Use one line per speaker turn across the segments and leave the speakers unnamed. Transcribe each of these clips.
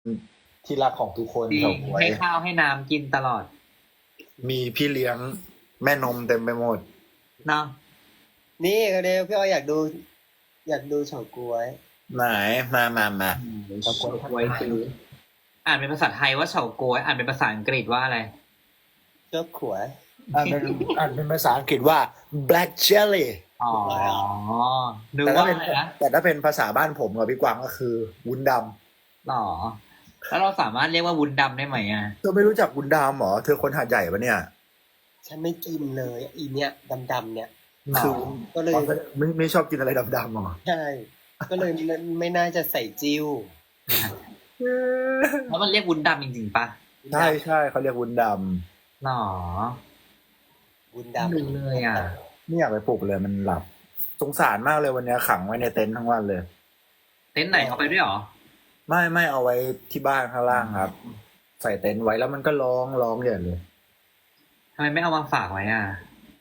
ที่รักของทุกคน
จริ
เฉาง ก๊วย
ให้ข้าวให้น้ำกินตลอด
มีพี่เลี้ยงแม่นมเต็มไปหมด
เนาะ
นี่ก็เดี๋ยวพี่อ้อยอยากดูเฉาก๊วย
ไหนมา
เฉาก๊วยคืออ่านเป็นภาษาไทยว่าเฉาก๊วยอ่านเป็นภาษาอังกฤษว่าอะไร
เจ้าขวด
อ่านเป็นภาษาอังกฤษว่า black jelly
อ๋อนึก
แต่ถ้า
ว่า
เป็น
อะไรนะ
แต่ถ้าเป็นภาษาบ้านผมกับพี่กวางก็คือวุ้นด
หรอแล้วเราสามารถเรียกว่าวุ้นดำได้ไหมอ่ะ
ำเธอไม่รู้จักวุ้นดำเหรอเธอคนหาดใหญ่ปะเนี่ย
ฉันไม่กินเลยอีเนี่ยดำๆเนี่ย
หร
คือ
อ
ก็เลย
ไม่ชอบกินอะไรดำๆหรอ
ใช่ก็เลยไม่น่าจะใส่จิ้ว
แล้วมันเรียกวุ้นดำจริงๆปะ
ใช่เขาเรียกวุ้นด
หรอ
บุญ
ไม่
ดำ
รู้เลยอ่ะ
ำไม่อยากไปปลุกเลยมันหลับสงสารมากเลยวันนี้ขังไว้ในเต็นท์ทั้งวันเลย
เต็นท์ไหนเอาไปด้วยหรอ
ไม่เอาไว้ที่บ้านข้างล่างครับ ใส่เต็นท์ไว้แล้วมันก็ร้องใหญ่เลย
ทำไมไม่เอามาฝากไว้อ่ะ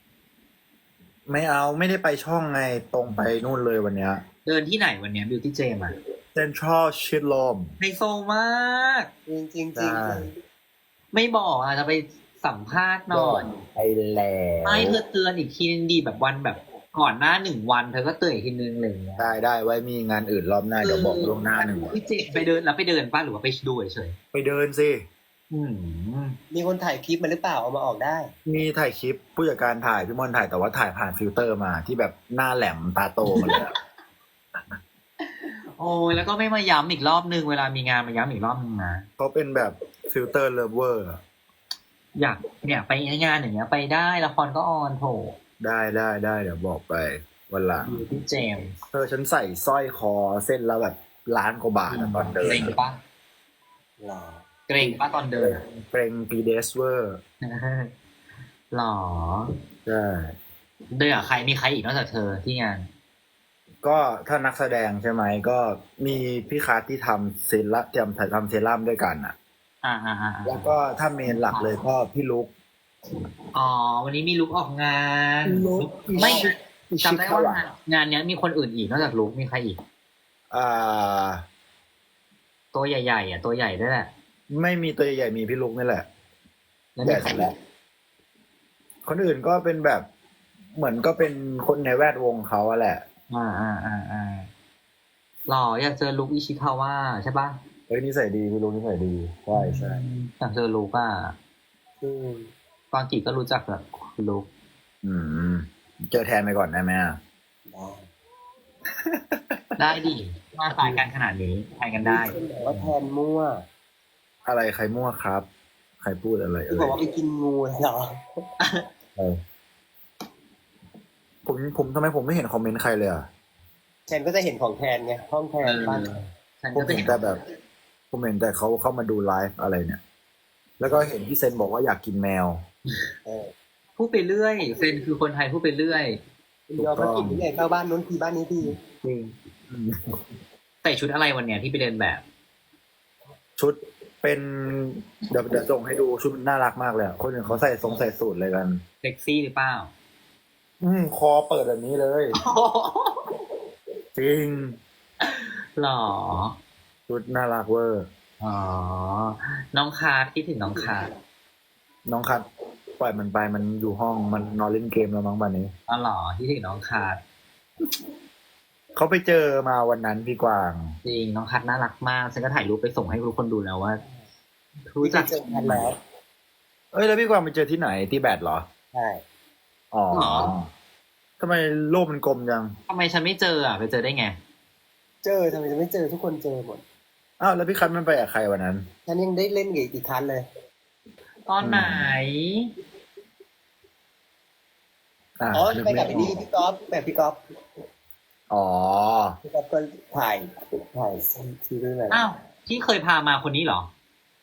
ไม่ได้ไปช่องไงตรงไปนู่นเลยวันเนี้ย
เดินที่ไหนวันเนี้ยบิวตี้เจมอ่ะ
เซ็นทรัลชิดลม
ไฮโซมาก
จริงๆจริง
ได้
ไม่บอกอ่ะจะไปสัมภาษณ์หน่อย
ไปแล้ว
ไม่เธอเตือนอีกทีนึงดีแบบวันแบบก่อนหน้า1 วันเธอก็เตือนอีกทีนึงอะไรอย่างเงี้ย
ได้ไว้มีงานอื่นรอบหน้าเดี๋ยวบอกล่วงหน้าหนึ่งวัน
พี่เจไปเดินแล้วไปเดินป้ะหรือว่าไปดูเฉย
ไปเดินสิ
ๆอืม
มีคนถ่ายคลิปมาหรือเปล่าเอามาออกได้
มีถ่ายคลิปผู้จัดการถ่ายพี่มอนถ่ายแต่ว่าถ่ายผ่านฟิลเตอร์มาที่แบบหน้าแหลมตาโตมาเลยอะ
โอ้ยแล้วก็ไม่มาย้ำอีกรอบนึงเวลามีงานมาย้ำอีกรอบนึงนะ
เขาเป็นแบบฟิลเตอร์เลเวอร์
อยากเนี่ยไปงานอย่างเงี้ยไปได้ละครก็ออนโถ
ได้เดี๋ยวบอกไปวันหลัง
บิวตี้เจม
ฉันใส่สร้อยคอเส้นละแบบ1,000,000 กว่าบาทอะตอนเดิ
เก
น
รงปะ
หรอ
เกรงปะตอนเดิน
เกรงปีเดสเวอร์
หรอ
ใช่
เดินกับใครมีใครอีกนอกจากเธอที่งาน
ก็ถ้านักแสดงใช่ไหมก็มีพี่คาร์ที่ทำเซรั่มทำเซรั่มด้วยกันอ่ะ
อ่า
แล้วก็ถ้าเมนหลักเลยก็พี่ลุก
อ๋อวันนี้มีลุกออกงาน
ลุค
ไม่
อิชิ
จำได้ว่างานเนี้ยมีคนอื่นอีกนอกจากลุกมีใครอีก
อ่า
ตัวใหญ่ๆอ่ะตัวใหญ่ด้วยแหละ
ไม่มีตัวใหญ่ๆมีพี่ลุกนี่แหละ
แล้ว
ให
มี
ญ่
ใคร
สุด
อี
แล้
ก
วคนอื่นก็เป็นแบบเหมือนก็เป็นคนในแวดวงเขาอะแหละ
หล่ออยากเจอลุกอิชิคาว่าใช่ปะ
เฮ้ยนิสัยดีพี่ลุกนิสัยดีใช่
อยากเจอลุกอ่ะ
อืม
กวางกีก็รู้จักแบบลุก
อืมเจอแทนไปก่อนได้ไหมอะ
ได้
ได้ดิมาสายกันขนาดนี้ไปกันได้
คนบอกว่าแทนมั่ว
อะไรใครมั่วครับ ใครพูดอะไร
ที่บอกว่าไปกินงูเหรอ
เออผมทำไมผมไม่เห็นคอมเมนต์ใครเลยอ่ะ
แทนก็จะเห็นของแทนไงห้องแทนบ้าน
ฉัน
ผม
ก็จะ
เห็
เห็
น
น
แต่แบบผมเห็นแต่เขาเข้ามาดูไลฟ์อะไรเนี่ย แล้วก็เห็นพี่เซนบอกว่าอยากกินแมว
เออ
พูดไปเรื่อยเซนคือคนไทยพูดไปเรื่อย
เราก็กินที่ไหนเข้าบ้านนู้นทีบ้านนี้ที
จริงใส่ชุดอะไรวันเนี้ยที่ไปเดินแบบ
ชุดเป็นเดี๋ยวส่งให้ดูชุดน่ารักมากเลยอะคนอื่นเขาใส่สูทเลยกัน
เซ็กซี่หรือเปล่า
คอเปิดแบบนี้เลย จริง
หรอ
ชุดน่ารักเวอร์
อ๋อ น้องคาร์ดคิดถึงน้องคาร์ด
น้องคัดปล่อยมันไปมันอยู่ห้องมันนอนเล่นเกมแล้วมั้งบันนี้
อ๋อหรอคิดถึงน้องคาร์ด
เขาไปเจอมาวันนั้นพี่กวาง
จริงน้องคาร์ดน่ารักมากฉันก็ถ่ายรูปไปส่งให้ทุกคนดูแล้วว่า รู้
ที่
จั
จะ
ก
เจอกันแล้ว
เอ้ยแล้วพี่กวางไปเจอที่ไหนที่แบดเหรอ
ใช่
อ๋อทำไมโลกมันกลมจัง
ทำไมฉันไม่เจออ่ะไปเจอได้ไง
เจอทำไมจะไม่เจอทุกคนเจอหมด
อ้าวแล้วพี่คัทมันไปกับใครวันนั้น
ฉันยังได้เล่นกับอีกคันเลย
ตอนไหน
อ๋อ
นึก
ไป
ม่
กับไอ้นี่พี่ก๊อฟแบบพี่ก๊อฟ
อ๋อ
พี่ก๊อฟก็ถ่ายซีรีส์อะไร
อ้าวที่เคยพามาคนนี้เหรอ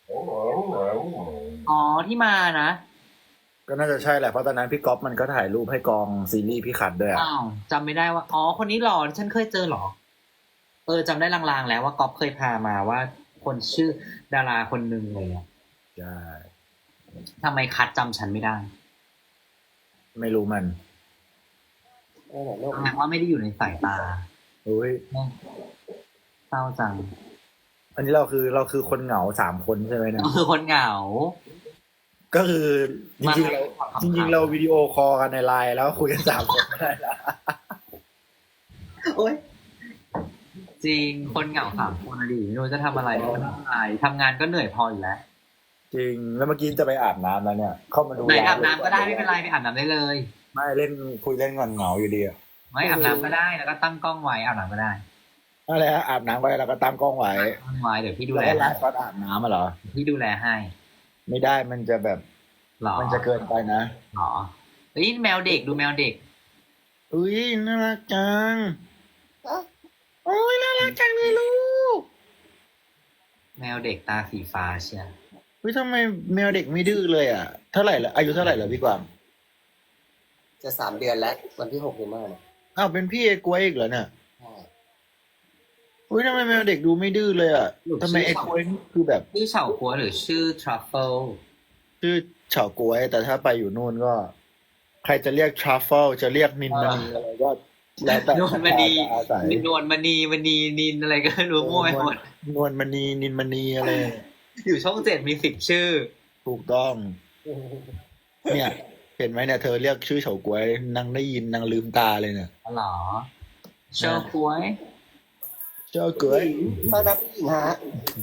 อ๋อที่มานะ
ก็น่าจะใช่แหละเพราะตอนนั้นพี่ก๊อฟมันก็ถ่ายรูปให้กองซีรีส์พี่คัทด้วยอะ
อ้าวจำไม่ได้ว่า อ๋อคนนี้หรอฉันเคยเจอเหรอ จำได้ลางๆแล้วว่าก๊อฟเคยพามาว่าคนชื่อดาราคนหนึ่งเลยอะ
ใช่
ทำไมคัดจำฉันไม่ได้
ไม่รู้มัน
ไหนโลก
แสดงว่าไม่ได้อยู่ในสายตา
อุ้ย
เศร้าจัง
อันนี้เราคือคนเหงา3 คนใช่ไหมเนี่ย
ก็คือคนเหงา
ก็คือจ
มา
ริงๆเรา
ขำๆ
จริงๆเราวิดีโอคอลกันในไลน์แล้วคุยกัน3 คนไม่ได้ละ
โอ้ยจริงคนเหงา3 คนอะดิไม่รู้จะทำอะไรก็ทำอะไรทำงานก็เหนื่อยพออยู่แล้ว
จริงแล้วเมื่อกี้จะไปอาบน้ำแล้วเนี่ย เข้ามาดู
ไหน
ไลฟ์
อาบน้ำก็ได้ไม่เป็นไรไปอาบน้ำได้เลย
ไม่เล่นคุยเล่นก่อนเหงาอยู่ดีอะ
ไม่อาบน้ำก็ได้แล้วก็ตั้งกล้องไว้อาบน้ำก็ได้
อะไรฮะอาบน้ำก็ได้แล้วก็ตั้งกล้องไว้
ตั้งไว้เดี๋ยวพี่ดู
แล้ว
แล
ก็ไลฟ์ตอนอาบน้ำมาเหรอ
พี่ดูแลให้
ไม่ได้มันจะแบบ
หรอ
มันจะเกินไปนะ
หรอเฮ้ยแมวเด็กดูแมวเด็ก
อุ้ยน่ารักจังโอ้ยน่ารักจังเลยลูก
แมวเด็กตาสีฟ้าเชียว
อุ้ยทำไมแมวเด็กไม่ดื้อเลยอ่ะเท่าไหร่ละอายุเท่าไหร่แล้วพี่กวาง
จะ3 เดือนแล้ว วันที่6 เดือนหน้าเนี่ย
อ้าวเป็นพี่ไอ้กล้วยอีกเหรอเนี่ย
ใช่
อุ้ยทำไมแมวเด็กดูไม่ดื้อเลยอ่ะทำไมไอ้กล้วยนี่คือแบบ
ชื่อเฉากัวหรือชื่อทรัฟเฟิล
ชื่อเฉาก๊วย แต่ถ้าไปอยู่นู่นก็ ใครจะเรียกทรัฟเฟิลจะเรียกนินมณีอะไรก็แล้วแต่
นวลมณี
อาศัย
นวลมณีมณีนินอะไรก็ไม่รู้มั่วไปหมด
นวลมณีนินมณีอะไร
อยู่ช่อง7มี10 ชื่อ
ถูกต้อง เนี่ย เห็นไหมเนี่ยเธอเรียกชื่อเฉาก๊วยนางได้ยินนางลืมตาเลยเนี่ย
อ๋อเหรอเชากัว
เจ้าก๊วย
ต้อนรับผู้หญิงฮะ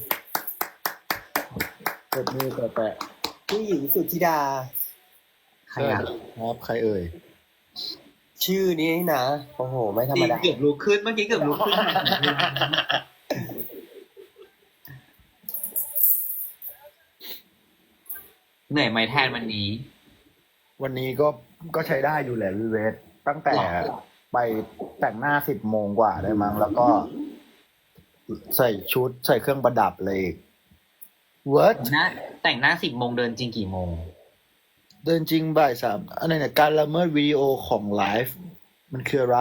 กดมือแปะ
ผู้หญิงสุธิดา
ใครอ่ะ
ครับใครเอ่ย
ชื่อนี้นะ โอ้โห ไม่ธรรมดา
เกือบลุกขึ้นเมื่อกี้เกือบลุกขึ้นเหนื่อยไหมแทนวันนี้
วันนี้ก็ใช้ได้อยู่แหละวิเวทตั้งแต่
หรอ
ไปแต่งหน้า10 โมงกว่าได้มั้งแล้วก็ ใส่ชุดใส่เครื่องประดับเลยอีก What
แต่งหน้า10 โมงเดินจริงกี่โมง
เดินจริงบ่าย 3อะไรเนี่ยการละเมิดวิดีโอของไลฟ์มันคืออะไร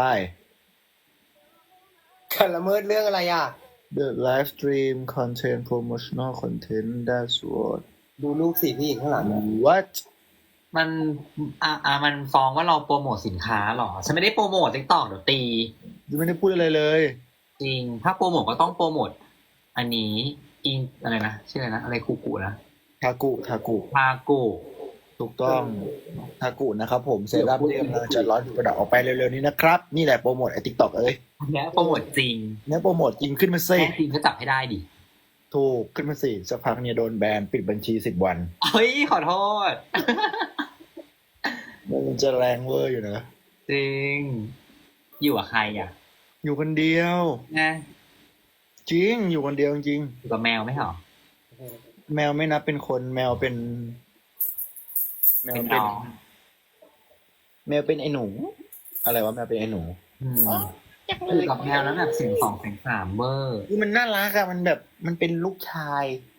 การละเมิดเรื่องอะไรอ่ะ
The live stream content promotional content that's what
ดูลูกสิผู้หญิงข้างหลังนะ
what
มันมันฟ้องว่าเราโปรโมทสินค้าหรอ ฉันไม่ได้โปรโมทติ๊กต็อกเดี๋ยวตี
ยังไม่ได้พูดอะไรเลย
จริง ถ้าโปรโมทก็ต้องโปรโมทอันนี้อิงอะไรนะชื่ออะไรนะอะไรคูกูนะ
ทากุ
ทากู
ถูกต้องทากุนะครับผมเซรั่มที่กำลังจะร้อนประดับออกไปเร็วๆนี้นะครับ นี่แหละโปรโมทไอติ๊กต็อกเอ้ย
อันเนี้ยโปรโมทจริง
เนี่ยโปรโมทจริงขึ้นมาสิ
แม่จริงก็จับให้ได้ดิ
ถูกขึ้นมาสิสักพักเนี่ยโดนแบนปิดบัญชี10 วัน
เฮ้ยขอโทษ
มันจะแรงเวอร์อยู่นะ
จริง อยู่กับใครอ่ะ
อยู่คนเดียว
นะ
จริง อยู่คนเดียวจริง
อยู่กับแมวไหมเหรอ
แมวไม่นับเป็นคนแมวเป็น แมว
เป็น
เป็น
น้อง
แมวเป็นไอ้หนู อะไรวะแมวเป็นไอ้หนู
อืมอยู่กับแมวแล้วแบบเสียง2 เสียง 3เบอร์
คือมันน่ารักอะมันแบบมันเป็นลูกชาย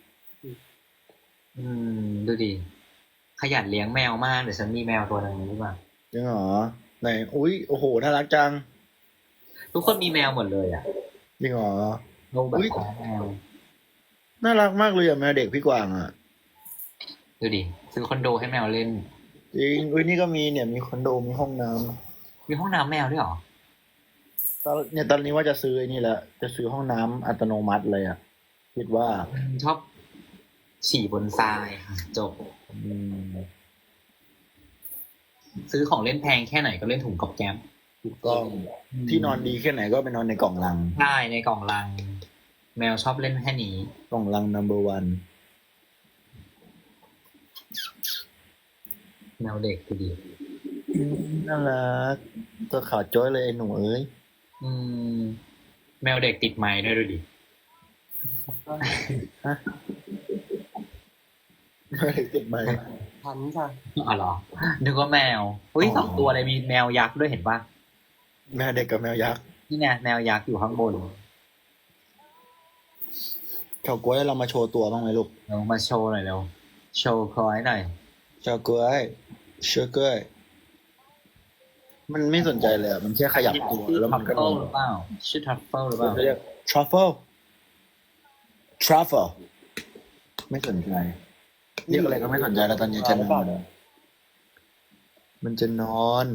ดูดิ ขยันเลี้ยงแมวมาก เดี๋ยวฉันมีแมวตัวหนึงหรือเปล่า
จริงเหรอไหนอุ้ยโอ้โหน่ารักจัง
ทุกคนมีแมวหมดเลยอ่ะ
จริงเหรอ
ลูกแบบ
อุ๊ย
แมว
น่ารักมากเลยอะแมวเด็กพี่กวางอะ
ดูดิ ซื้อคอนโดให้แมวเล่น
จริงอุ้ยนี่ก็มีเนี่ยมีคอนโดมีห้องน้ำ
มีห้องน้ำแมวด้วยเหรอ
ตอนนี้ว่าจะซื้อไอ้นี่แหละจะซื้อห้องน้ำอัตโนมัติเลยอะคิดว่า
ชอบฉี่บนทรายค่ะจบ
อืม
ซื้อของเล่นแพงแค่ไหนก็เล่นถุงกับแก๊ม
ถูกต้องที่นอนดีแค่ไหนก็ไปนอนในกล่องลัง
ใช่ในกล่องลัง แมวชอบเล่นแค่นี้
กล่องลัง number 1
แมวเด็กดูดิ
น่ารักตัวขาวจ้อยเลยไอ้หนูเอ้ย
อืม แมวเด็กติดไม้ด้วยดูดิ
ไม่ได้ติดไหม
พันค่ะ
อ๋อเหรอนึกว่าแมวเฮ้ย2 ตัวเลยมีแมวยักษ์ด้วยเห็นปะ
แมวเด็กกับแมวยักษ์
นี่ไงแมวยักษ์อยู่ข้างบน
เขากล้วยเรามาโชว์ตัวบ้างไหมลูก
เรามาโชว์หน่อยเร็วโชว์คอยหน่อย
ชาวกล้วยเชื่อกล้วยมันไม่สนใจเลยอะมันแค่ขยับตัวแล้วมันก็น
ทัฟ
อ
เฟิล
น
หรือเปล่าชื่อทัฟเฟิลหรือเปล่า
เขาเรียก truffle truffle ไม่สนใจเรียกอะไรก็ไม่สนใจแล้วตอนนี้จะนอนมันจะนอน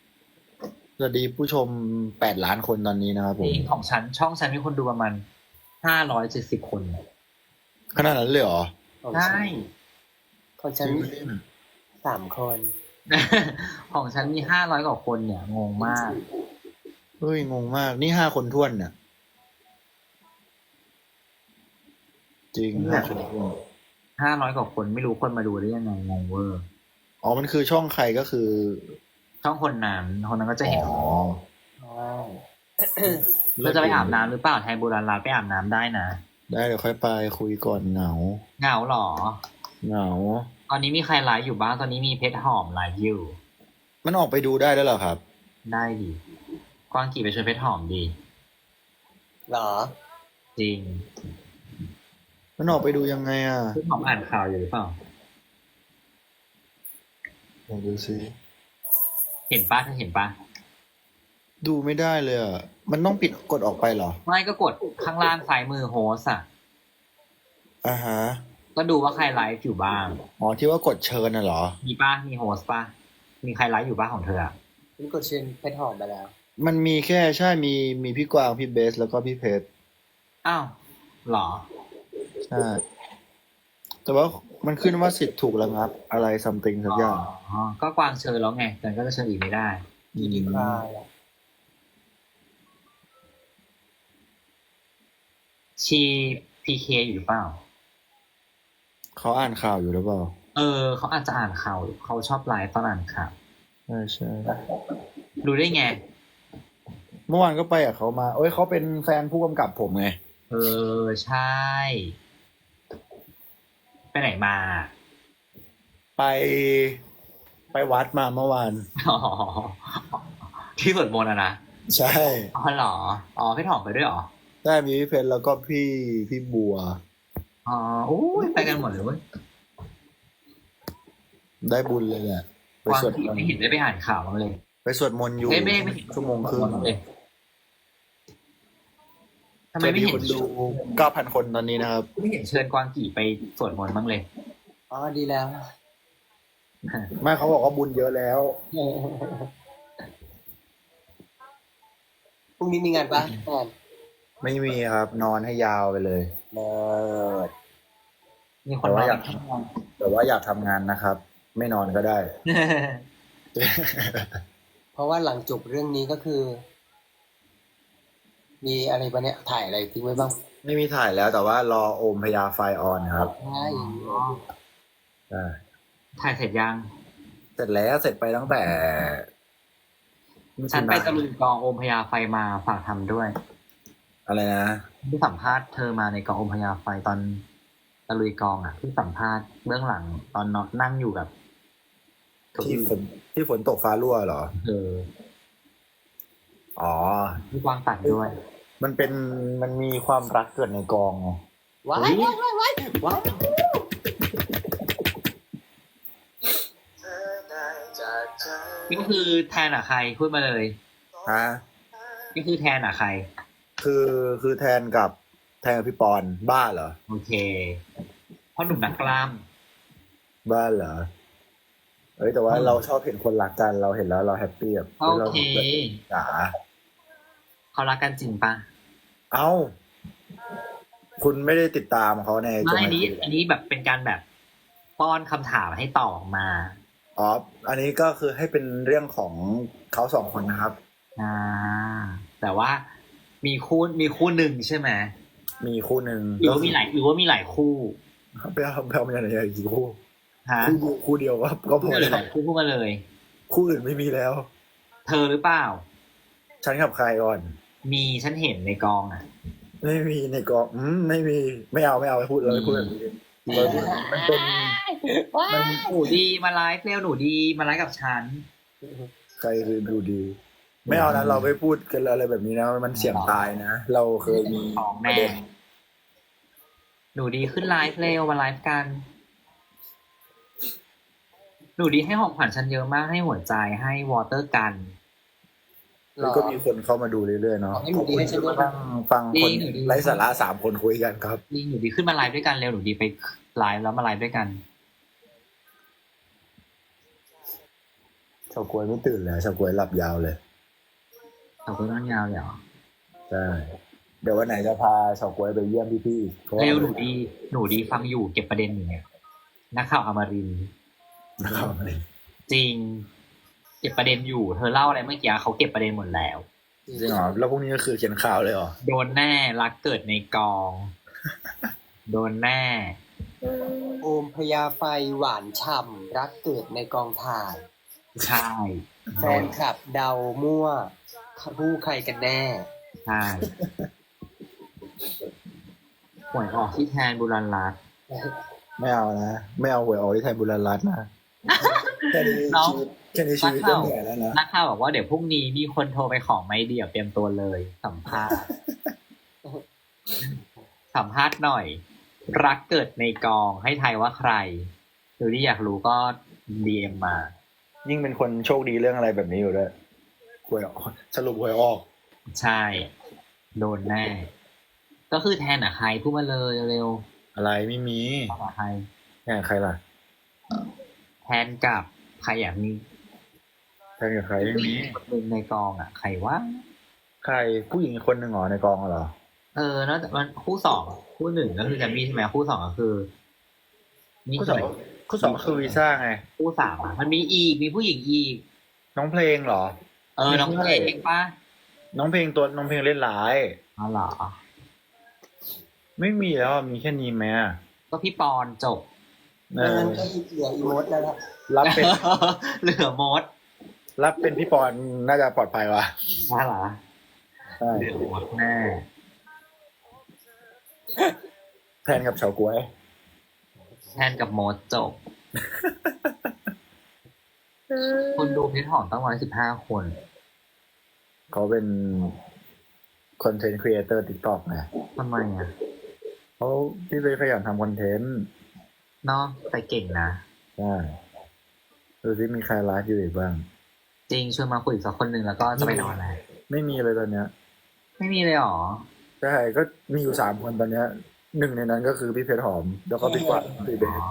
สวัสดีผู้ชม8 ล้านคนตอนนี้นะครับผ
จ
ม
ริงของฉันช่องฉันมีคนดูประมาณ 570 คน
ขนาดนั้นเลยเหรอ
ของ
ใช่
ฉันของฉัน
จริงปะเนี่ย
3 คน
ของฉันมี500 กว่าคนเนี่ยงงมาก
เฮ้ยงงมากนี่5 คนท้วนเนี่ยจริง
เนี่ย
5 คนท้วน
500 กว่าคนไม่รู้คนมาดูได้ยังไงงงเวอร์
อ๋อมันคือช่องใครก็คือ
ช่องคนนั้นก็จะ
อ๋
เห็น
อ
เราจะไปอาบน้ำหรือเปล่าไทยโบราณลาไปอาบน้ำได้นะ
ได้เดี๋ยวค่อยไปคุยก่อนเหงา
เหงาเหรอ
เหงา
ตอนนี้มีใครไลฟ์อยู่บ้างตอนนี้มีเพชรหอมไลฟ์อยู่
มันออกไปดูได้แล้วเหรอครับ
ได้ดิกวางกี่ไปชวนเพชรหอมดี
เหรอ
จริง
มันออกไปดูยังไงอ่ะ
เพชรหอมอ่านข่าวอยู่หรือเปล่า
ลองดูซิ
เห็นปะเธอเห็นปะ
ดูไม่ได้เลยอ่ะมันต้องปิดกดออกไปเหรอ
ไม่ก็กดข้างล่างซ้ายมือโฮสอะ
อ่าฮะ
ก็ดูว่าใครไลฟ์อยู่บ้าง
อ๋อที่ว่ากดเชิญน่ะเหรอ
มีป้ามีโฮสป้ามีใครไลฟ์อยู่บ้างของเธออะ
ฉันกดเชิญเพชรหอมไปแล้ว
มันมีแค่ใช่มีพี่กวางพี่เบสแล้วก็พี่เพชร
อ้าวเหรอ
ใช่แต่ว่ามันขึ้นว่าสิทธิ์ถูกระงับอะไรซัมติงสักอย่าง
อ๋อก็กวางเชิญแล้วไงแต่ก็จะเชิญอีกไม่ได้
มีดีคลายอะ
ชีพีเคอยู่หรือเปล่า
เขาอ่านข่าวอยู่หรือเปล่า
เขาอาจจะอ่านข่าวเขาชอบไลฟ์ตอนอ่านข่าว
ใช่ใช่
ดูได้ไง
เมื่อวานก็ไปกับเขามาเอ้ยเขาเป็นแฟนผู้กำกับผมไง
ใช่ ไปไหนมา
ไปวัดมาเมื่อวาน
อ๋อที่สวดมนต์อะนะ
ใช่
อ๋อเหรออ๋อพี่ถอมไปด้วยเหรอ
ได้มีพี่เพชรแล้วก็พี่บัว
อ๋อโอ้ยไปกันหมดเลยเว้ย
ได้บุญเลยแหละไป
กวาง
สวด
ที่
มน
ไม่
ต์
เห็นได้ไปอ่านข่าวบ้างเลย
ไปสวดมนต์อยู่
ไม่เห็น
ชั่วโมงครึ่ง
เลยทำไมไม่เห็น
คนดู 9,000 คนตอนนี้นะครับ
ไม่เห็นเชิญกวางกี่ไปสวดมนต์บ้างเลย
อ๋อดีแล้ว
ไม่เขาบอกว่าบุญเยอะแล้ว
พรุ่งนี้มีงานปะงาน
ไม่มีครับ นอนให้ยาวไปเลย
เลิศ
มีคน
แต่ว่า
มา
อยาก แต่ว่าอยากทำงานนะครับ ไม่นอนก็ได้
เพราะว่าหลังจบเรื่องนี้ก็คือ มีอะไรปะเนี่ยถ่ายอะไรทิ้งไว้บ้าง
ไม่มีถ่ายแล้วแต่ว่ารอโอมพยาไฟออนครับ
ใช่
ใช่
ถ่ายเสร็จยัง
เสร็จแล้วเสร็จไปตั้งแต่
ฉันไปตะลุยกองโอมพยาไฟมาฝากทำด้วย
อะไรนะ
ที่สัมภาษณ์เธอมาในกองโอมพยาไฟตอนตะลุยกองอ่ะที่สัมภาษณ์เบื้องหลังตอนนั่งอยู่กับ
ที่ฝนตกฟ้ารั่วเหรอ
เธอ
อ๋อ
ที่กวางตัดด้วย
มันมีความรักเกิดในกองไง
ว้ายว้ายว้ายว้ายว้าย
นี่ก็คือแทนอ่ะใครพูดมาเลย
ฮะ
นี่คือแทนอ่ะใคร
คือแทนกับพี่ปอนบ้าเหรอ
โอเคพ่อหนุ่มนักกล้าม
บ้าเหรอเอ้ยแต่ว่าเราชอบเห็นคนรักกันเราเห็นแล้วเราแฮปปี้แบบ
โอเค
จ๋า
เขารักกันจริงปะ
เอ้า คุณไม่ได้ติดตามเขาใน
ไม่อันนี้
เหร
อันนี้แบบเป็นการแบบป้อนคำถามให้ตอบออกมา
อ๋อ อันนี้ก็คือให้เป็นเรื่องของเขาสองคนนะครับ
อ่า แต่ว่ามีคู่หนึ่งใช่ไหม
มีคู่หนึ่ง
หรือว่ามีหลายคู่
ไปเอามาจากไหนอีกคู่
ฮะ
คู่เดียวก็พ
พูด
อ
มาเลย
แล้ว
พูดมาเลย
คู่อื่นไม่มีแล้ว
เธอหรือเปล่า
ฉันกับใครก่อน
มีฉันเห็นในกองอ่ะ
ไม่มีในกองไม่มีไม่เอาไม่พูดเลยพูดแบบนี้เราพูดมันเป็น มัน
หนูดีมาไลฟ์เร็วหนูดีมาไลฟ์กับฉัน
ใครคือดูดี ไม่เอานะเราไม่พูดกันอะไรแบบนี้นะมันเสี่ยงตายนะเราเคยมี
ของ
ประ
แม่
เด็น
หนูดีขึ้นไลฟ์เร็วมาไลฟ์กัน หนูดีให้ของขวัญฉันเยอะมากให้หัวใจให้วอเตอร์กัน
แล้วก็มีคนเข้ามาดูเรื่อยๆเนาะ
ให้หนูดีให้ฉันด้วยนะ
ฟังคน
หนูดี
ไร้สาระ3 คนคุยกันครับ
ดีหนูดีขึ้นมาไลฟ์ด้วยกันเร็วหนูดีไปไลฟ์แล้วมาไลฟ์ด้วยกัน
ชาวกล้วยไม่ตื่นแล้วชาวกล้วยหลับยาวเลย
ขอบคุณน้องยาวเลยเหรอ
ใช่เดี๋ยววันไหนจะพาเฉาก๊วยไปเยี่ยมพี่ๆอีกเพราะว่า
เร็วหนูดีฟังอยู่เก็บประเด็นอยู่เนี่ยนักข่าวอมรินทร์
นะครับ
จริง เก็บประเด็นอยู่ เธอเล่าอะไรเมื่อกี้เขาเก็บประเด็นหมดแล้ว
จริงเหรอแล้วพรุ่งนี้ก็คือเขียนข่าวเลยเหรอ
โดนแน่รักเกิดในกอง โดนแน่
โอมพญาไฟหวานฉ่ำรักเกิดในกองถ่าย
ใช่
แฟนคลับเดามั่วผู้ใครกันแน่
ใช่หวยออกที่แทนบุรันรัตน์
ไม่เอานะไม่เอาหวยออกที่ไทยบุรีรัตน์นะแค่นี้
น้อง
แค่นี้ชีวิตก็เหนื่อยแล้วนะ
นักข่าวบอกว่าเดี๋ยวพรุ่งนี้มีคนโทรไปขอไม่เดี่ยวเตรียมตัวเลยสัมภาษณ์ สัมภาษณ์หน่อย รักเกิดในกองให้ทายว่าใครหรือที่อยากรู้ก็ดีเอ็มมา
ยิ่งเป็นคนโชคดีเรื่องอะไรแบบนี้อยู่ด้วยหวยออกสรุปหวยออก
ใช่ โดนแน่ ก็คือแทนใครพูดมาเลยเร็ว
อะไรไม่มี
ๆบอกใคร
แค่ใครล่ะ
แทนกับใครอยากมี
แค่กับใครไม่มี
คนหนึ่งในกองใครว่า
ใครผู้หญิงอีกคนหนึ่งเหรอในกองเหรอ
นอกจากมันคู่สองคู่หนึ่งก็คือแจมมี่ใช่ไหมคู่สองก็คือนี่
คู่สองคู่สองก็คือวีซ่าไง
คู่สามมันมีอีกมีผู้หญิงอีก
น้องเพลงเหรอ
น้องเพลงป่ะ
น้องเพลงเล่นร้าย
อ๋อเหรอ
ไม่มีแล้วมีแค่นี้ไหมอะ
ก็พี่ปอนจบ
เอ
ดัง
อ
นั้นก็เหลืออีโมดแล้วนะ
รับเป็น
เหลือมด
รับเป็นพี่ปอนน่าจะปลอดภัยว่ะ
น่าเหรอ
ใช่
เหลือมดแน่
แทนกับเฉาก๊วย
แทนกับมดจบ คนดูเพจหอมตั้ง115 คน
เขาเป็นคอนเทนต์ครีเอเตอร์ติ๊กต็อกไง
ทำไม
เขาที่เลยขยันทำคอนเทนต์
เนาะแต่เก่งนะ
ใช่ดูที่มีใครไลฟ์อยู่อีกบ้าง
จริงชวนมาคุยอีกสักคนหนึ่งแล้วก็จะไปนอนแล้ว
ไม่มีเลยตอนเนี้ย
ไม่มีเลยเหรอ
ใช่ก็มีอยู่3 คนตอนเนี้ยหนึ่งในนั้นก็คือพี่เพชรหอม แล้วก็พี่กวางพี่เบส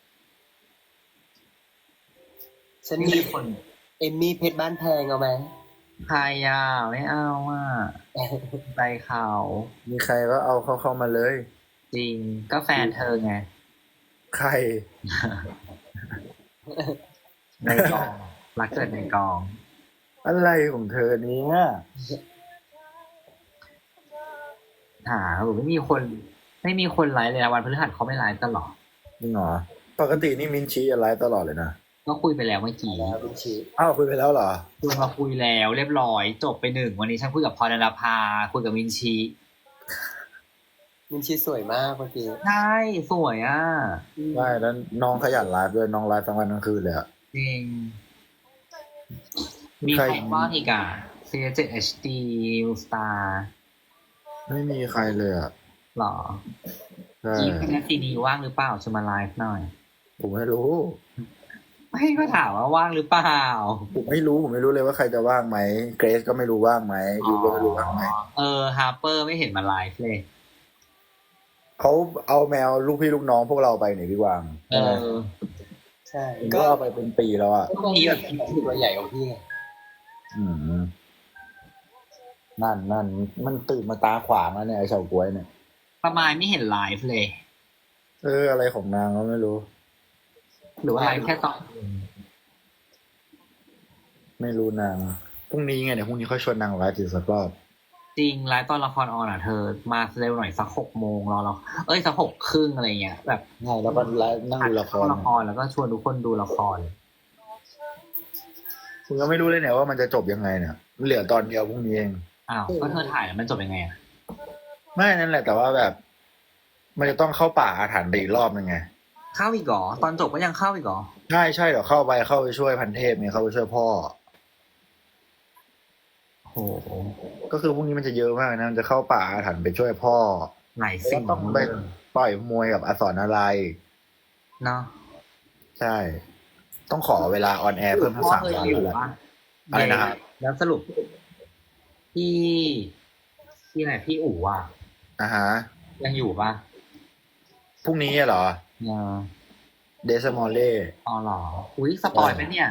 ฉัน
นี่
มี
คน
เอมมี่เพชรบ้านแพงเอาไหม
ใครไม่เอาใจเขา
มีใครก็เอาเข้ามาเลย
จริงก็แฟนเธอไง
ใคร
ในกองรักเกิดในกอง
อะไรของเธอเนี้ย
หรือไม่มีคนไลฟ์เลยนะวันพฤหัสเขาไม่ไลฟ์กันหรอ
จริงเหรอปกตินี่มินชีไลฟ์ตลอดเลยนะ
ก็คุยไปแล้วเมื่อกี้
แล้วเป็นชี
อ้าวคุยไปแล้วเหรอ
คุยมาคุยแล้วเรียบร้อย จบไป1วันนี้ฉันคุยกับพรณภาคุยกับมินชี
มินชีสวยมากเมื่อกี้
ใช่สวย
ใช่แล้วน้องขยันไลฟ์ด้วยน้องไลฟ์ทั้งวันทั้งคืนเลยอะ
จริงมีใครบ้างอีกC7HD New Star
ไม่มีใครเลยอะ
หรอ
ใช่
อีพีนซีดีว่างหรือเปล่าจะมาไลฟ์หน่อย
ผมไม่รู้
ไม่ก็ถามว่าว่างหรือเปล่า
ผมไม่รู้เลยว่าใครจะว่างไหมเกรซก็ไม่รู้ว่างไหมยูก็ไม่รู้ว่างไหม
ฮาร์เปอร์ไม่เห็นมาไลฟ์เลย
เขาเอาแมวลูกพี่ลูกน้องพวกเราไปนี่พี่กวาง
ใช่
ผม
ก็
ก็เอาไปเป็นปีแล้วอะ
ก็มีแบบตัวใหญ่กว่าพี่ไง
อืมนั่นมันตื่นมาตาขวางแล้วเนี่ยไอ้เฉาก๊วยเนี่ย
ประมาณไม่เห็นไลฟ์เลย
อะไรของนางก็ไม่รู้
หรือว่าไลฟ์แค่ตอน
ไม่รู้นางพรุ่งนี้ไงเดี๋ยวพรุ่งนี้ค่อยชวนนางไลฟ์อีกสักรอบ
จริงไลฟ์ตอนละครออนเธอมาเร็วหน่อยสัก6 โมงรอเราสัก6:30อะไรเงี้ยแบบ
ใช่แล้วก็ไลฟ์นั่งดูละคร
ละครแล้วก็ชวนทุกคนดูละคร
คุณก็ไม่รู้เลยเนี่ยว่ามันจะจบยังไงเนี่ยมันเหลือตอนเดียวพรุ่งนี้เอง
อ้าวก็เธอถ่ายแล้วมันจบยังไง
ไม่นั่นแหละแต่ว่าแบบ มันจะต้องเข้าป่าอาถรรพ์ไปอีกรอบนึงไง
เข้าอีกเหรอตอนจบก็ยังเข้าอีกเหรอ
ใช่เดี๋ยวเข้าไปช่วยพันเทพเนี่ยเข้าไปช่วยพ่อ
โอ้โห
ก็คือพรุ่งนี้มันจะเยอะมากนะมันจะเข้าป่าอาถรรพ์ไปช่วยพ่อ
หลาย
แล้ว
สิ่ง
ต้องไปต่อยมวยกับอสรอะไร
เนาะ
ใช่ ต้องขอเวลาออนแอร์เพิ่มทั้ง
พ่อ
3
เคย
วัน
อยู่
แล้ว
ปะ
อะไรนะครับ
แล้วสรุปที่ไหนพี่อู๋
ฮะ
ยังอยู่ปะ
พรุ่งนี้เหรอ
ยัง
เดซมอลเล่
อ๋อเหรออุ้ยสปอยไหมเนี่ย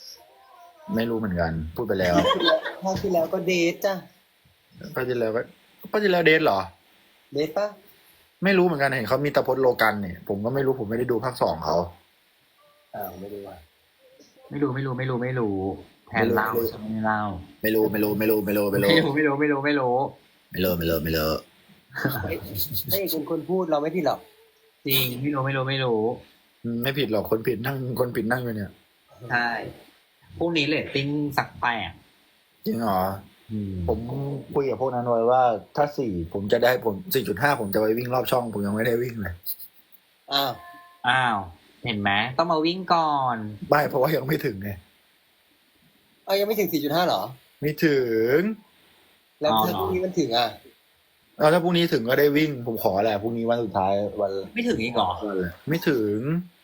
ไม่รู้เหมือนกัน พูดไปแล้ว
คราวที่แล้วก็เดทจ้ะ
ก็จะแล้วก็ก็จะแล้วเดทเหรอ
เดทปะ
ไม่รู้เหมือนกันเห็นเขามีตะพดโลกันเนี่ยผมก็ไม่รู้ผมไม่ได้ดูภาคสองเขา
ไม่รู้ว่า
ไม่รู้แทนเล่าฉันไม่เล่า
ไม่รู้ไม่รู้ไม่รู้ไม่รู้ไม่รู้
ไม่รู้
ไม่รู้ไม่รู้ไม่รู้
ถ้าเอกเป็นคนพูดเราไม่ผิดหรอก
จริงไม่รู้
ไม่ผิดหรอกคนผิดนั่งอยู่เนี่ย
ใช่พรุ่งนี้เรตติ้งสักแปด
จริงเหรอผมคุยกับพวกนั้นไว้ว่าถ้าผมจะได้ผม4.5ผมจะไปวิ่งรอบช่องผมยังไม่ได้วิ่งเลย
อ้าว
เห็นไหมต้องมาวิ่งก่อน
ไม่เพราะว่ายังไม่ถึงไง
ยังไม่ถึง 4.5หรอ
ไม่ถึง
แล้วถ้าพรุ่งนี้มันถึงอ่ะ
ถ้าพรุ่งนี้ถึงก็ได้วิ่งผมขอแหละพรุ่งนี้วันสุดท้ายวัน
ไม่ถึงอีกเหรอ
ไม่ถึง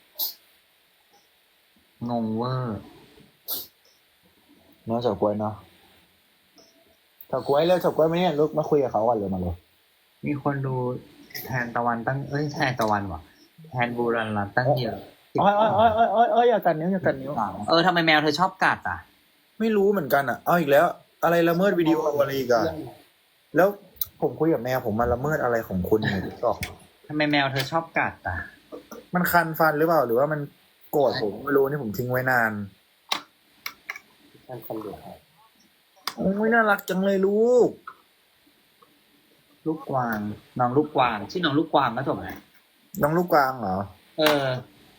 งงเวอร์
น้องเฉาก๊วยเนาะเฉาก๊วยเลยเฉาก๊วยไหมเนี่ยลุกมาคุยกับเขาก่อนเลยมาเลย
มีคนดูแทนตะวันตั้งแทนตะวันว่ะแทนบูรันรัตน์ตั้งเยอะ
อ้อยอย่ากัดนิ้ว
ทำไมแมวเธอชอบกัดอ่ะ
ไม่รู้เหมือนกันอ่ะเอาอีกแล้ว อะไรละเมิดวิดีโออะไรอีกอะแล้วผมคุยกับแมวผมมาละเมิดอะไรของคุณเนี่ยก็
ทำไมแมวเธอชอบกัดอ่ะ
มันคันฟันหรือเปล่าหรือว่ามันโกรธผมไม่รู้นี่ผมทิ้งไว้นาน
ท่านคนเดียว
โอ้ยน่ารักจังเลยลูก
ลูกกวางน้องลูกกวางชื่อน้องลูกกวางก็ถูกไหม
น้องลูกกวางเหรอ
เออ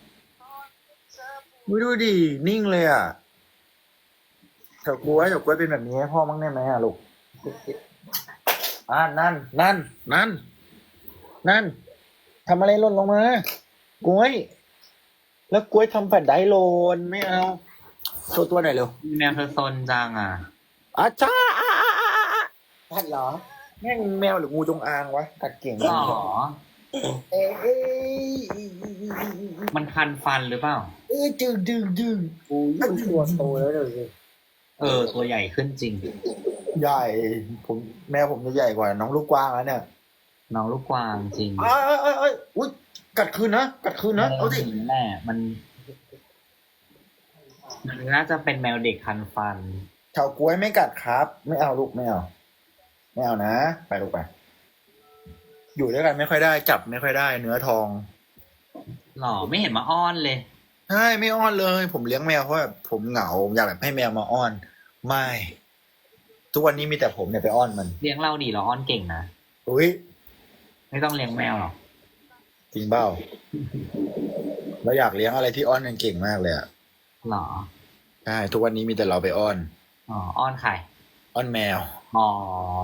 ดูดินิ่งเลยอ่ะเฉาก๊วยเป็นแบบนี้ให้พ่อมั้งได้ไหมอ่ะลูกนั่นทำอะไรหล่นลงมากล้วย แล้วกล้วยทำแผ่นไดโลนไม่เอาโชว์ตัวหน่อยเร็ว
แมวเธอซนจังอ่ะ
อาจ้า
ท่านเหรอ
แม่งแมวหรืองูจงอางวะกัดเก่ง
หรอ
เอ้ย
มันคันฟันหรือเปล่า
ดึงโอ้ยมันตัวโตแล้วเลย
ตัวใหญ่ขึ้นจริง
ใหญ่แมวผมจะใหญ่กว่าน้องลูกกวางแล้วเนี่ย
น้องลูกกวางจริง
อุ้ยกัดคืนนะเอาสิ
แม่มันน่าจะเป็นแมวเด็กคันฟัน
เฉาก๊วยไม่กัดครับ ไม่เอาลูกไม่เอานะไปลูกไปอยู่ด้วยกันไม่ค่อยได้จับไม่ค่อยได้เนื้อทอง
หรอไม่เห็นมาอ้อนเลย
ใช่ไม่อ้อนเลย ผมเลี้ยงแมวเพราะแบบผมเหงาอยากแบบให้แมวมาอ้อน ไม่ทุกวันนี้มีแต่ผมเนี่ยไปอ้อนมัน
เลี้ยงเราดีเราอ้อนเก่งนะ
อุ้ย
ไม่ต้องเลี้ยงแมวหรอก
จริงเปล่าเราอยากเลี้ยงอะไรที่อ้อนกันเก่งมากเลยอ่ะ
หรอ
ใช่ทุกวันนี้มีแต่เราไปอ้อน
อ้อนใคร
อ้อนแมว
อ๋อ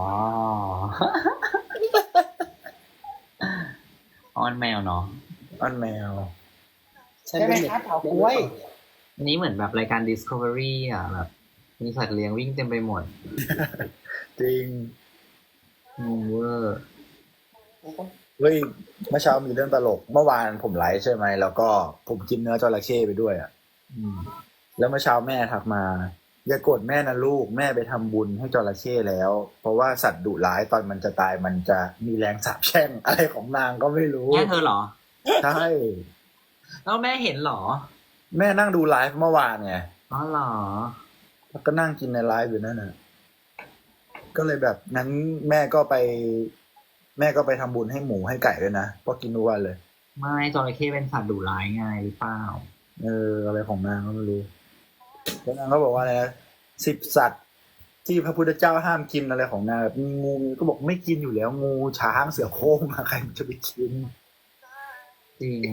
อ้อนแมวเนาะ
อ้อนแมว
ใช่ไหมครับเถาก้วย
อันนี้เหมือนแบบรายการ Discovery อ่ะแบบมีสัตว์เลี้ยงวิ่งเต็มไปหมด
จริง
งงเวอร์
เฮ้ยเมื่อเช้ามีเรื่องตลกเมื่อวานผมไลฟ์ใช่ไหมแล้วก็ผมกินเนื้อจระเข้ไปด้วยอ่ะแล้วเมื่อเช้าแม่ทักมาอย่าโกรธแม่นะลูกแม่ไปทำบุญให้จระเข้แล้ว เพราะว่าสัตว์ดุร้ายตอนมันจะตายมันจะมีแรงสาปแช่งอะไรของนางก็ไม่รู้
แม่เธอเหรอ
ใช่
แล้วแม่เห็นเหรอ
แม่นั่งดูไลฟ์เมื่อวานไง
อ๋อเหรอ
แล้วก็นั่งกินในไลฟ์อยู่นั่นน่ะก็เลยแบบนั้นแม่ก็ไปทำบุญให้หมูให้ไก่ด้วยนะเพราะกินทุกวันเลย
ไม่จระเข้เป็นสัตว์ดุร้ายไงหรือเปล่า
อะไรของนางก็ไม่รู้แล้วนางก็บอกว่าอะไรนะ10 สัตว์ที่พระพุทธเจ้าห้ามกินอะไรของนางแบบมีงูก็บอกไม่กินอยู่แล้วงูช้างเสือโคร่งอะใครมันจะไปกิน
จริง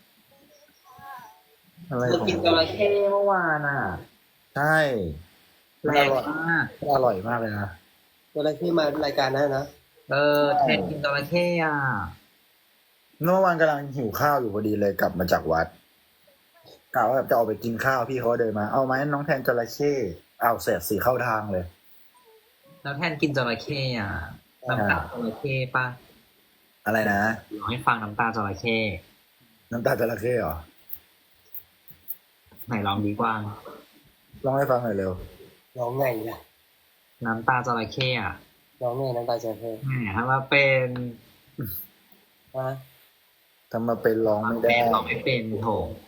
อะไร
เธอ
ของ
กินจระเข้เมื่อวานอ่ะ
ใช่
แรงมาก
อร่อยมากเลยนะ
ตัวอะไรที่มารายการนั้นนะ
แทนกินจระเข้อ่ะ
เมื่อวานกำลังหิวข้าวอยู่พอดีเลยกลับมาจากวัดกะว่าแบบจะออกไปกินข้าวพี่เขาเดินมาเอาไหมน้องแทนจระเข้เอาเสร็จสีเข้าทางเลย
แล้วแทนกินจระเข้อ่ะน้ำตาจระเข้ปะ
อะไรนะ
ลองให้ฟังน้ำตาจระเข้
น้ำตาจระเข้เหรอ
ไหนลองดีกว่า
ลองให้ฟังหน่อยเร็ว
ร้องไงล่ะ
น้ำตาจระเข้อ่ะ
ร้องไงน้ำตาจะเพิ่ม
แหมถ้ามาเป็น
ฮะ
ทำมาเป็นร้องไม่ได้
ลองไม่เป็นโถ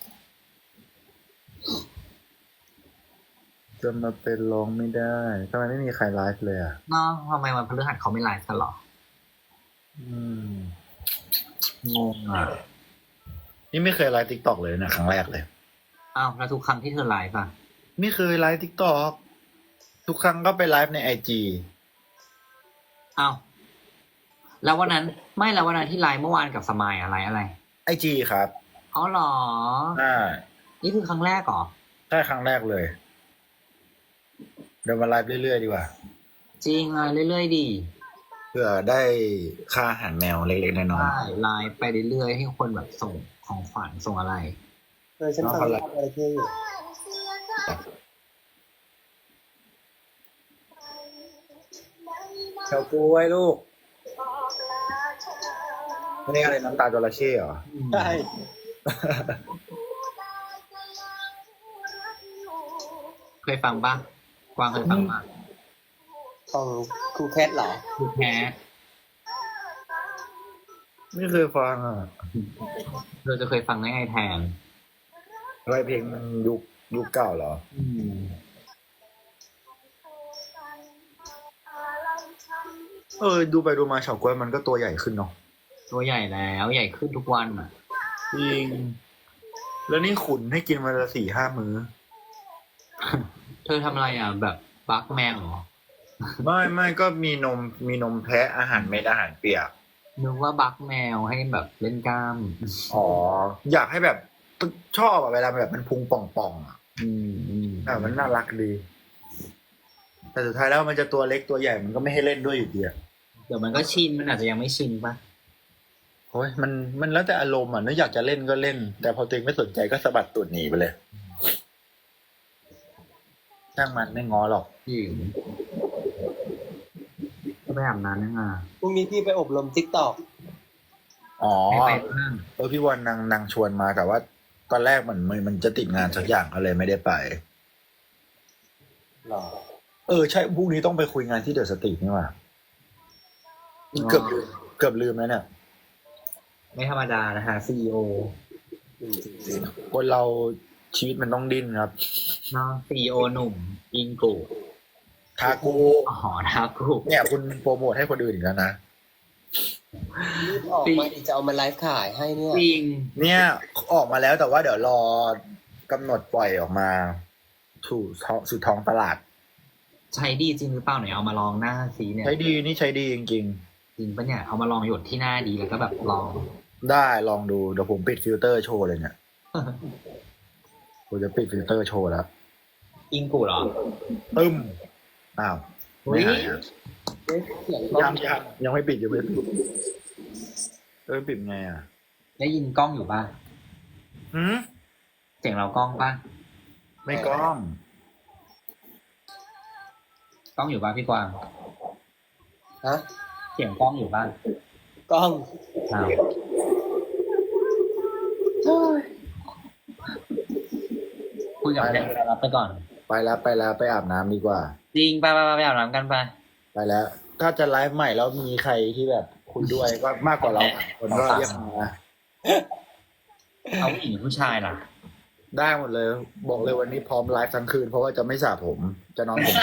จะมาเป็นร้องไม่ได้ทำไมไม่มีใครไลฟ์เลยอ่ะ
น้องทำไมวันพฤหัสเขาไม่ไลฟ์กันหรอ
อืมงงอ่ะ นี่ไม่เคยไลฟ์ติ๊กตอกเลยนะครั้งแรกเลย
อ้าวแล้วทุกครั้งที่เธอไลฟ์อ่ะ
ไม่เคยไลฟ์ติ๊กตอกทุกครั้งก็ไปไลฟ์ในIG
อ้าวแล้ววันนั้นไม่แล้ววันนั้นที่ไลฟ์เมื่อวานกับสมายอะไร
IG ครับ
อ๋อเหรอ
อ่า
นี่คือครั้งแรกเหรอ
ใช่ครั้งแรกเลย เดี๋ยวมาไลฟ์เรื่อยๆดีกว่า
จริงไลฟ์เรื่อยๆดี
เพื่อได้ค่าอาหารแมวเล็กๆน้อย
ใช่ไลฟ์ไปเรื่อยๆให้คนแบบส่งของขวัญส่งอะไร
ฉันฟังอะไรเท่อยู่
ๆเฉาก๊วยลูกนี่อะไรน้ำตาจระเข้เหรอ
ใช่
เคยฟังปะกวางเคยฟังปะ
ของครูแคทเหรอ
คือแพ้
ไม่เคยฟังอ่ะ
เราจะเคยฟังได้ไงแทน
อะไรเพลงมันยุคเก่าเหรอ ดูไปดูมาเฉาก๊วยมันก็ตัวใหญ่ขึ้นเนาะ
ตัวใหญ่แล้วใหญ่ขึ้นทุกวันอ่ะ
จริง แล้วนี่ขุนให้กินวันละ4-5 มื้อ
เธอทำอะไรอ่ะ แบบบักแมวเหรอ
ไม่ก็มีนมแพะอาหารเม็ดอาหารเปียก
นึกว่าบักแมวให้แบบเล่นกล้าม
อ๋อ อยากให้แบบชอบอะเวลาแบบมันพุงป่องๆอ่ะมันน่ารักดี แต่สุดท้ายแล้วมันจะตัวเล็กตัวใหญ่มันก็ไม่ให้เล่นด้วยอยู่ดีอะ
เดี๋ยวมันก็ชินมันอาจจะยังไม่ชินปะ
โอ้ยมันแล้วแต่อารมณ์อ่ะนึกอยากจะเล่นก็เล่น แต่พอตัวเองไม่สนใจก็สะบัดตูดหนีไปเลยช่างมันไม่ง้อหรอก
หญิงก็ไปอาบน้ำยังไง
พรุ่งนี้พี่ไปอบรม TikTok
อ๋อ
ไม่ไปบ้าง
พี่วันนางชวนมาแต่ว่าตอนแรกมันจะติดงานสักอย่างก็เลยไม่ได้ไป
หรอ
ใช่พรุ่งนี้ต้องไปคุยงานที่เดอะสตรีทนี่หว่าเกือบลืมแล้วเนี่ย
ไม่ธรรมดานะฮะซีอีโอ
คนเราชีวิตมันต้องดิ้นครับ
น้องซีอีโอหนุ่มอิงกู
ทากู
อ๋อทากู
เนี่ยคุณโปรโมทให้คนอื่นอีกแล้วนะ
รีบออกมาดิจะเอามาไลฟ์ขายให้เนี่ย
จริง
เนี่ยออกมาแล้วแต่ว่าเดี๋ยวรอกำหนดปล่อยออกมาสู่ท้องตลาด
ใช้ดีจริงหรือเปล่าไหนเอามาลองหน้าซีเนี่ย
ใช้ดีนี่ใช้ดีจริง
จริงปะเนี่ยเอามาลองหยดที่หน้าดีแล้วก็แบบลอง
ๆ ได้ลองดูเดี๋ยวผมปิดฟิลเตอร์โชว์เลยเนี่ยผมจะปิดฟิลเตอร์โชว์แล้ว
อิงกูเหรอ
ตึ้มอ้าว
อุ๊
ไม่
ย
หายอะ
เสียง
ยังไม่ปิดปิดไงอ่ะ
ได้ยินกล้องอยู่ป่ะ
หืม
เสียงเรากล้องป่ะ
ไม่กล้อง
กล้องอยู่ป่ะพี่กวาง
ฮะ
เสียงกล้องอยู่ป่ะ
กล้อง
อ้าวคุยกับแฟนรับไปก่อน
ไปแล้วไปอาบน้ำดีกว่า
จริงไปอาบน้ำกันไป
ไปแล้ว ถ้าจะไลฟ์ใหม่แล้วมีใครที่แบบคุยด้วยก็มากกว่าเราคนก็เรียกมา
เอาผู้หญิงผู้ชายล่ะ
ได้หมดเลย บอกเลยวันนี้พร้อมไลฟ์ทั้งคืนเพราะว่าจะไม่สระผม จะนอนผม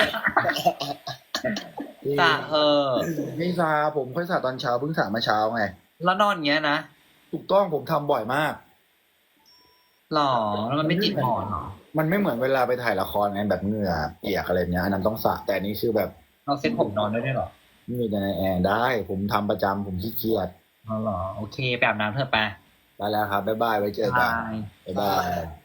สระเออ
ไม่สระผมค่อยสระตอนเช้าเพิ่งสระมาเช้าไง
แล้วนอนอย่างเงี้ยนะ
ถูกต้องผมทำบ่อยมาก
หรอแล้วมันไม่ติดหมอนหรอ
มันไม่เหมือนเวลาไปถ่ายละครไงแบบเหงื่อเปียกอะไรเงี้ยอันนั้นต้องสระแต่อันนี้คือแบบ
เราเซ็ตผมนอนด้วยหรอ
ไม่มีแต่ในแอร์ได้ ผมทำประจำผมขี้เกียจ
อ๋อเหรอโอเคไปอาบน้ำเถอะไป
ไปแล้วครับบ๊ายบายไว้เจอกัน
บาย
บ๊ายบาย